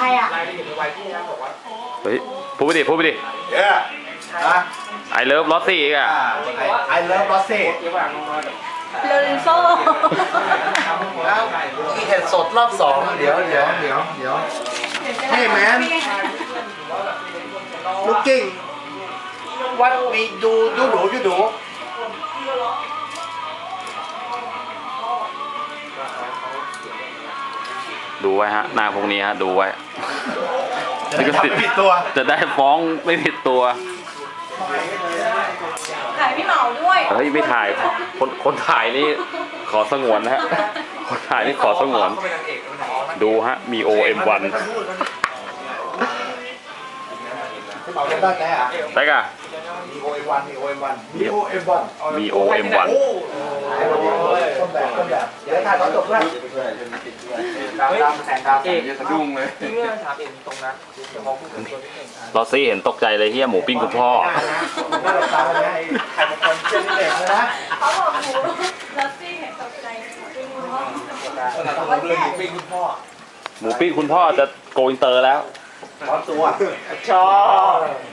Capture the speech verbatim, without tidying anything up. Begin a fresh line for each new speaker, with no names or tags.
รอ่ะ
เฮ้ยพูดไปดิพูดไปดิ
เย้ฮะ
ไอเลิฟลอสซี่อีกอ่ะ
ไอเลิฟลอสซี่
โลเรนโซ
ที่เห็ดสดรอบสองเดี๋ยวเดี๋ยวเดี๋ยวเดี๋ยวเฮ้ยแมน looking what we do ยูดูยูดู
ดูไว้ฮะหน้าพวกนี้ฮะดูไว้
จะทำไม่ผิดตัว
จะได้ฟ้องไม่ผิดตัว
ถ่ายพี่เหมาด้วย
เฮ้ยไม่ถ่ายคนคนถ่ายนี่ขอสงวนนะฮะคนถ่ายนี่ขอสงวนดูฮะมี โอ เอ็ม วัน
เป่าได้ไหมอ่ะ
ได้กะ
มี โอ เอ็ม วันมี โอ เอ็ม วันมี โอ เอ็ม วัน
มี โอ เอ็ม วัน
ต้นแบบต้นแบบเดี๋ยวถ่ายตอนจบด้วยดำดำแสงดำ
เอกสะดุ้งเลยเมื่อถามเองตรงนะเดี๋ยวมองพูดถึงตัวนิดนึง
ลอสซี่เห็นตกใจเลยเฮียหมูปิ้งคุณพ่อ
หน้าหลับตาเลยนะใครเป็นคนเชื่อที่เด็กเลยนะ
เขาบอกหมูลัสซี่เห็นตกใจเป็นหมู
ต้องรู้เรื่องหมูปิ้งคุณพ่อ
หมูปิ้งคุณพ่อจะโกอินเตอร์แล้ว
ร้อนตัว
ชอบ